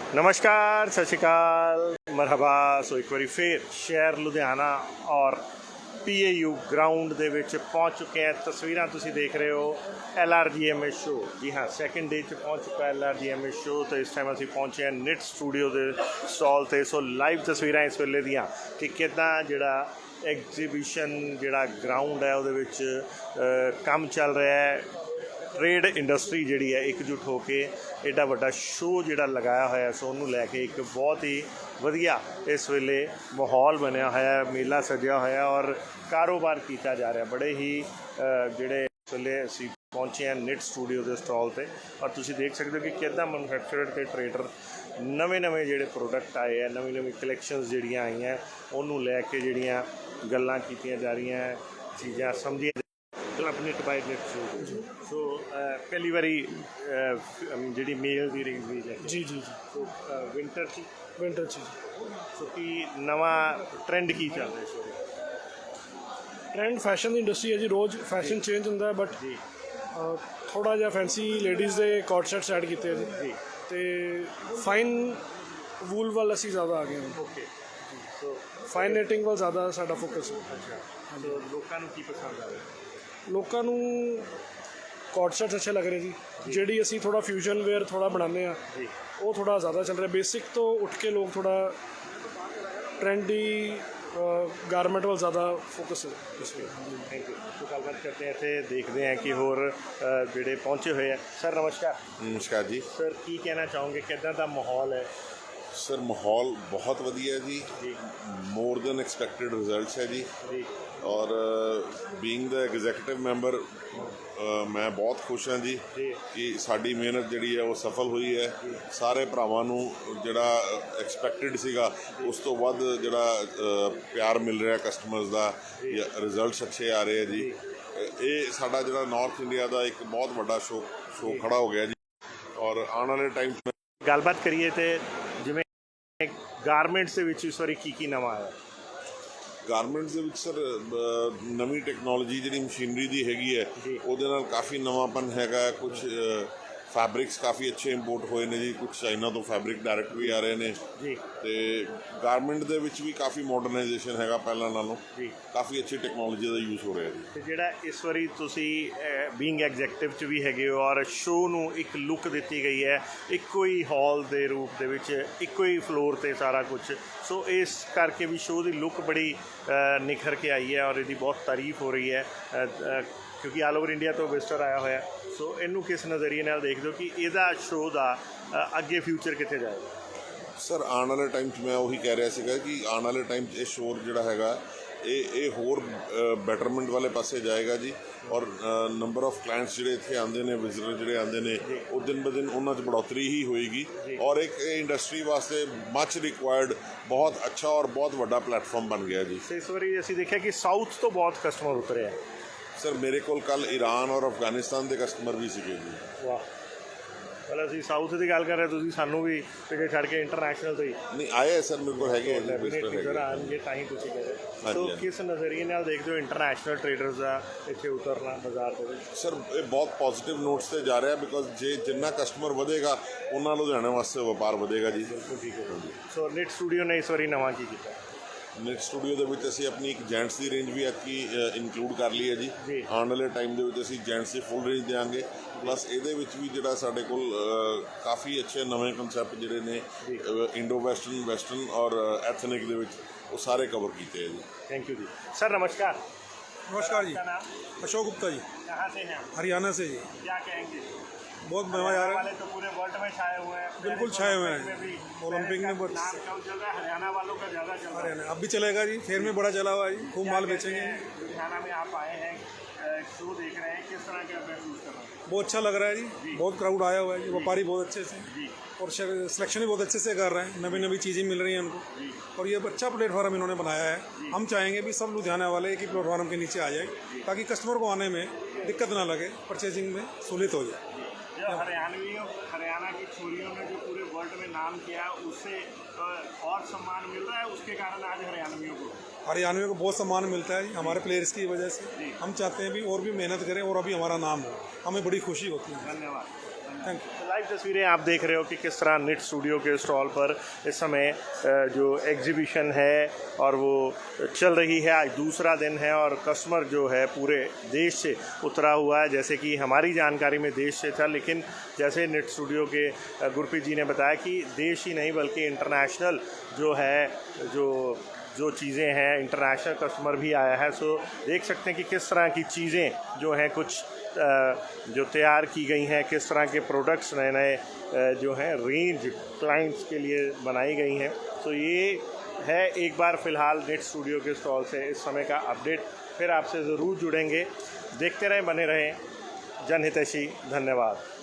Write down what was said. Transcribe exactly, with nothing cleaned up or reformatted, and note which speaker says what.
Speaker 1: नमस्कार, सत श्री अकाल, मरहबा। सो एक बारी फिर शहर लुधियाना और पी ए यू ग्राउंड ਦੇ ਵਿੱਚ ਪਹੁੰਚ ਚੁੱਕੇ हैं। तस्वीरां ਤੁਸੀਂ देख रहे हो L R G M A show. जी हाँ, सैकेंड डे 'ਚ ਪਹੁੰਚ ਚੁੱਕਾ L R G M A show. तो इस टाइम ਅਸੀਂ ਪਹੁੰਚੇ ਹਾਂ ਨਿਟ ਸਟੂਡੀਓ ਦੇ ਸਟਾਲ 'ਤੇ। ਸੋ ਲਾਈਵ ਤਸਵੀਰਾਂ ਇਸ ਵੇਲੇ ਦੀਆਂ ਕਿ ਕਿੱਦਾਂ ਜਿਹੜਾ ਐਗਜ਼ੀਬਿਸ਼ਨ ਜਿਹੜਾ ਗਰਾਊਂਡ ਹੈ ਉਹਦੇ ਵਿੱਚ ਕੰਮ ਚੱਲ ਰਿਹਾ ਹੈ। ट्रेड इंडस्ट्री जी है एकजुट होकर एडा वड्डा शो जोड़ा लगाया होया, सो उन्होंने लैके एक बहुत ही वधिया इस वेले माहौल बनया होया, मेला सजया होया और कारोबार किया जा रहा। बड़े ही जोड़े इस वेले असी पहुँचे हैं निट स्टूडियो के स्टॉल पर और तुसी देख सकते हो कि कितना मैनुफैक्चरर के ट्रेडर नवे नवे जोड़े प्रोडक्ट आए हैं, नवी नवी कलैक्शनस जड़ियाँ आई हैं, उन्होंने लैके जड़ियाँ गल्लां कीतियां जा रही हैं, चीज़ां समझियां knit by knit show. So पहली बारी जी मेल की रेंज भी है
Speaker 2: जी जी जी
Speaker 1: सो विंटर ची
Speaker 2: विंटर ची
Speaker 1: सो कि नवा ट्रेंड की चल रहा है इस बारे?
Speaker 2: ट्रेंड फैशन की इंडस्ट्री है जी, रोज़ फैशन चेंज होता है बट
Speaker 1: जी
Speaker 2: थोड़ा जिहा फैंसी लेडीज़ के कॉट सैट्स ऐड किए जी
Speaker 1: जी
Speaker 2: तो फाइन वूल वाल असी ज़्यादा आ गए हैं।
Speaker 1: ओके सो
Speaker 2: फाइन नेटिंग वाल ज़्यादा साडा फोकस है।
Speaker 1: अच्छा सो लोगों को की पसंद आ रहा है?
Speaker 2: लोगों को कॉट सैट्स अच्छे लग रहे जी, ਜਿਹੜੀ ਅਸੀਂ ਥੋੜਾ ਫਿਊਜ਼ਨ ਵੇਅਰ ਥੋੜਾ ਬਣਾਉਂਦੇ ਆ
Speaker 1: जी
Speaker 2: ਉਹ ਥੋੜਾ ਜ਼ਿਆਦਾ ਚੱਲ ਰਿਹਾ। ਬੇਸਿਕ ਤੋਂ ਉੱਠ ਕੇ ਲੋਕ ਥੋੜਾ ट्रेंडी गारमेंट वाल ज़्यादा फोकस है इस वे।
Speaker 1: Thank you. तो गलबात करते हैं, इतने देखते हैं कि होर जोड़े पहुँचे हुए हैं। सर नमस्कार।
Speaker 3: नमस्कार जी।
Speaker 1: सर की कहना चाहोगे, कितना दा माहौल है?
Speaker 3: सर माहौल बहुत वधिया जी,
Speaker 1: जी
Speaker 3: मोर देन एक्सपैक्टेड रिजल्ट्स है जी।
Speaker 1: जी
Speaker 3: और बीइंग द एग्जीक्यूटिव मैंबर मैं बहुत खुश हाँ जी
Speaker 1: जी
Speaker 3: कि साड़ी मेहनत जी है वो सफल हुई है। सारे भरावां नूं जिहड़ा एक्सपैक्टेड सीगा उस तो वध जिहड़ा प्यार मिल रहा कस्टमर्स का, रिजल्ट्स अच्छे आ रहे हैं जी। ये साडा जिहड़ा नॉर्थ इंडिया का एक बहुत बड़ा शो शो खड़ा हो गया जी। और आने वाले टाइम
Speaker 1: गलबात करिए तो जिवें गारमेंट्स दे विच इस वारी की की नवा आया?
Speaker 3: गारमेंट्स ਦੇ ਵਿੱਚ ਸਰ ਨਵੀਂ ਟੈਕਨੋਲੋਜੀ ਜਿਹੜੀ ਮਸ਼ੀਨਰੀ ਦੀ ਹੈਗੀ ਹੈ ਉਹਦੇ ਨਾਲ ਕਾਫੀ ਨਵਾਂਪਨ ਹੈਗਾ। ਕੁਝ ਫੈਬਰਿਕਸ ਕਾਫੀ ਅੱਛੇ ਇੰਪੋਰਟ ਹੋਏ ਨੇ ਜੀ, ਕੁਝ ਚਾਈਨਾ ਤੋਂ ਫੈਬਰਿਕ ਡਾਇਰੈਕਟ ਵੀ ਆ ਰਹੇ ਨੇ
Speaker 1: ਜੀ।
Speaker 3: ਤੇ ਗਾਰਮੈਂਟ ਦੇ ਵਿੱਚ ਵੀ ਕਾਫੀ ਮਾਡਰਨਾਈਜੇਸ਼ਨ ਹੈਗਾ ਪਹਿਲਾਂ ਨਾਲੋਂ
Speaker 1: ਜੀ,
Speaker 3: ਕਾਫੀ ਅੱਛੀ ਟੈਕਨੋਲੋਜੀ ਦਾ ਯੂਜ਼ ਹੋ ਰਿਹਾ ਜੀ।
Speaker 1: ਤੇ ਜਿਹੜਾ ਇਸ ਵਾਰੀ ਤੁਸੀਂ ਬੀਇੰਗ ਐਗਜ਼ੈਕਟਿਵ 'ਚ ਵੀ ਹੈਗੇ ਹੋ ਔਰ ਸ਼ੋਅ ਨੂੰ ਇੱਕ ਲੁੱਕ ਦਿੱਤੀ ਗਈ ਹੈ ਇੱਕੋ ਹੀ ਹਾਲ ਦੇ ਰੂਪ ਦੇ ਵਿੱਚ, ਇੱਕੋ ਹੀ ਫਲੋਰ 'ਤੇ ਸਾਰਾ ਕੁਝ। ਸੋ ਇਸ ਕਰਕੇ ਵੀ ਸ਼ੋਅ ਦੀ ਲੁੱਕ ਬੜੀ ਨਿਖਰ ਕੇ ਆਈ ਹੈ ਔਰ ਇਹਦੀ ਬਹੁਤ ਤਾਰੀਫ ਹੋ ਰਹੀ ਹੈ ਕਿਉਂਕਿ ਆਲ ਓਵਰ ਇੰਡੀਆ ਤੋਂ ਵਿਜ਼ਟਰ ਆਇਆ ਹੋਇਆ। ਸੋ ਇਹਨੂੰ ਕਿਸ ਨਜ਼ਰੀਏ ਨਾਲ ਦੇਖਦੇ ਹੋ ਕਿ ਇਹਦਾ ਸ਼ੋਅ ਦਾ ਅੱਗੇ ਫਿਊਚਰ ਕਿੱਥੇ ਜਾਏਗਾ?
Speaker 3: ਸਰ ਆਉਣ ਵਾਲੇ ਟਾਈਮ 'ਚ ਮੈਂ ਉਹੀ ਕਹਿ ਰਿਹਾ ਸੀਗਾ ਕਿ ਆਉਣ ਵਾਲੇ ਟਾਈਮ 'ਚ ਇਹ ਸ਼ੋਅ ਜਿਹੜਾ ਹੈਗਾ ਇਹ ਇਹ ਹੋਰ ਬੈਟਰਮੈਂਟ ਵਾਲੇ ਪਾਸੇ ਜਾਏਗਾ ਜੀ। ਔਰ ਨੰਬਰ ਆਫ ਕਲਾਇੰਟਸ ਜਿਹੜੇ ਇੱਥੇ ਆਉਂਦੇ ਨੇ, ਵਿਜ਼ਿਟਰ ਜਿਹੜੇ ਆਉਂਦੇ ਨੇ, ਉਹ ਦਿਨ ਬ ਦਿਨ ਉਹਨਾਂ 'ਚ ਬੜੋਤਰੀ ਹੀ ਹੋਏਗੀ। ਔਰ ਇੱਕ ਇਹ ਇੰਡਸਟਰੀ ਵਾਸਤੇ ਮੱਚ ਰਿਕੁਆਇਰਡ ਬਹੁਤ ਅੱਛਾ ਔਰ ਬਹੁਤ ਵੱਡਾ ਪਲੇਟਫਾਰਮ ਬਣ ਗਿਆ ਜੀ।
Speaker 1: ਇਸ ਵਾਰੀ ਅਸੀਂ ਦੇਖਿਆ ਕਿ ਸਾਊਥ ਤੋਂ ਬਹੁਤ ਕਸਟਮਰ ਉਤਰੇ ਹੈ।
Speaker 3: ਸਰ ਮੇਰੇ ਕੋਲ ਕੱਲ੍ਹ ਈਰਾਨ ਔਰ ਅਫਗਾਨਿਸਤਾਨ ਦੇ ਕਸਟਮਰ ਵੀ ਸੀਗੇ ਜੀ।
Speaker 1: ਵਾਹ, ਪਹਿਲਾਂ ਅਸੀਂ ਸਾਊਥ ਦੀ ਗੱਲ ਕਰ ਰਹੇ, ਤੁਸੀਂ ਸਾਨੂੰ ਵੀ ਪਿੱਛੇ ਛੱਡ ਕੇ ਇੰਟਰਨੈਸ਼ਨਲ ਤੋਂ ਹੀ
Speaker 3: ਨਹੀਂ ਆਏ ਸਰ, ਮੇਰੇ ਕੋਲ ਹੈਗੇ
Speaker 1: ਸਰ ਆਉਣਗੇ ਤਾਂ ਹੀ ਤੁਸੀਂ ਕਹਿ ਰਹੇ। ਸੋ ਕਿਸ ਨਜ਼ਰੀਏ ਨਾਲ ਦੇਖਦੇ ਹੋ ਇੰਟਰਨੈਸ਼ਨਲ ਟ੍ਰੇਡਰਸ ਦਾ ਇੱਥੇ ਉਤਰਨਾ ਬਾਜ਼ਾਰ ਦੇ ਵਿੱਚ?
Speaker 3: ਸਰ ਇਹ ਬਹੁਤ ਪੋਜ਼ੀਟਿਵ ਨੋਟਸ 'ਤੇ ਜਾ ਰਿਹਾ ਬਿਕੋਜ਼ ਜੇ ਜਿੰਨਾ ਕਸਟਮਰ ਵਧੇਗਾ ਉਹਨਾਂ ਲੁਧਿਆਣੇ ਵਾਸਤੇ ਵਪਾਰ ਵਧੇਗਾ ਜੀ।
Speaker 1: ਬਿਲਕੁਲ ਠੀਕ ਹੈ। ਸੋ ਨਿਟ ਸਟੂਡੀਓ ਨੇ ਇਸ ਵਾਰੀ ਨਵਾਂ ਕੀ ਕੀਤਾ?
Speaker 3: ਨਿਟ ਸਟੂਡੀਓ ਦੇ ਵਿੱਚ ਅਸੀਂ ਆਪਣੀ ਇੱਕ ਜੈਂਟਸ ਦੀ ਰੇਂਜ ਵੀ ਐਤਕੀ ਇਨਕਲੂਡ ਕਰ ਲਈ ਹੈ ਜੀ। ਆਉਣ ਵਾਲੇ ਟਾਈਮ ਦੇ ਵਿੱਚ ਅਸੀਂ ਜੈਂਟਸ ਦੀ ਫੁੱਲ ਰੇਂਜ ਦੇਵਾਂਗੇ। ਪਲੱਸ ਇਹਦੇ ਵਿੱਚ ਵੀ ਜਿਹੜਾ ਸਾਡੇ ਕੋਲ ਕਾਫੀ ਅੱਛੇ ਨਵੇਂ ਕਨਸੈਪਟ ਜਿਹੜੇ ਨੇ ਇੰਡੋ ਵੈਸਟਰਨ, ਵੈਸਟਰਨ ਔਰ ਐਥਨਿਕ ਦੇ ਵਿੱਚ ਉਹ ਸਾਰੇ ਕਵਰ ਕੀਤੇ ਹੈ ਜੀ।
Speaker 1: Thank you ji. सर नमस्कार।
Speaker 2: नमस्कार जी,
Speaker 1: आपका नाम?
Speaker 2: अशोक गुप्ता जी,
Speaker 1: कहाँ से हैं?
Speaker 2: हरियाणा से जी।
Speaker 1: क्या कहेंगे?
Speaker 2: बहुत मजा आ रहा है,
Speaker 1: वाले तो पूरे वर्ल्ड में छाए हुए हैं।
Speaker 2: बिल्कुल छाए हुए हैं। ओलंपिक में बहुत
Speaker 1: नाम कम चल रहा है, हरियाणा वालों का ज़्यादा चल रहा है।
Speaker 2: हरियाणा अब भी चलेगा जी, फेयर में बड़ा चला हुआ है जी, खूब माल बेचेंगे।
Speaker 1: लुधियाना में आप आए हैं, शो देख रहे हैं, किस तरह का महसूस कर रहे हैं?
Speaker 2: बहुत अच्छा लग रहा है जी, बहुत क्राउड आया हुआ है जी, व्यापारी बहुत अच्छे से
Speaker 1: जी
Speaker 2: और सिलेक्शन भी बहुत अच्छे से कर रहे हैं, नवी नवी चीज़ें मिल रही हैं उनको। और ये अच्छा प्लेटफॉर्म इन्होंने बनाया है। हम चाहेंगे भी सब लुधियाना वाले एक ही प्लेटफॉर्म के नीचे आ जाए ताकि कस्टमर को आने में दिक्कत ना लगे, परचेजिंग में सहूलियत हो जाए।
Speaker 1: जो हरियाणवियों हरियाणा की छोरियों ने जो पूरे वर्ल्ड में नाम किया उससे और सम्मान मिल रहा है, उसके कारण आज हरियाणवियों को
Speaker 2: हरियाणवियों को बहुत सम्मान मिलता है हमारे प्लेयर्स की वजह से। हम चाहते हैं भी और भी मेहनत करें और अभी हमारा नाम हो, हमें बड़ी खुशी होती है।
Speaker 1: धन्यवाद।
Speaker 2: Thank you.
Speaker 1: लाइव तस्वीरें आप देख रहे हो कि किस तरह निट स्टूडियो के स्टॉल पर इस समय अ, जो एग्जीबिशन है और वो चल रही है। आज दूसरा दिन है और कस्टमर जो है पूरे देश से उतरा हुआ है। जैसे कि हमारी जानकारी में देश से था, लेकिन जैसे निट स्टूडियो के अ, गुरप्रीत जी ने बताया कि देश ही नहीं बल्कि इंटरनेशनल जो है जो जो चीज़ें हैं, इंटरनेशनल कस्टमर भी आया है। सो देख सकते हैं कि किस तरह की चीज़ें जो हैं कुछ जो तैयार की गई हैं, किस तरह के प्रोडक्ट्स नए नए जो हैं रेंज क्लाइंट्स के लिए बनाई गई हैं। तो ये है एक बार फ़िलहाल निट स्टूडियो के स्टॉल से इस समय का अपडेट। फिर आपसे ज़रूर जुड़ेंगे। देखते रहें, बने रहें। जनहितैषी। धन्यवाद।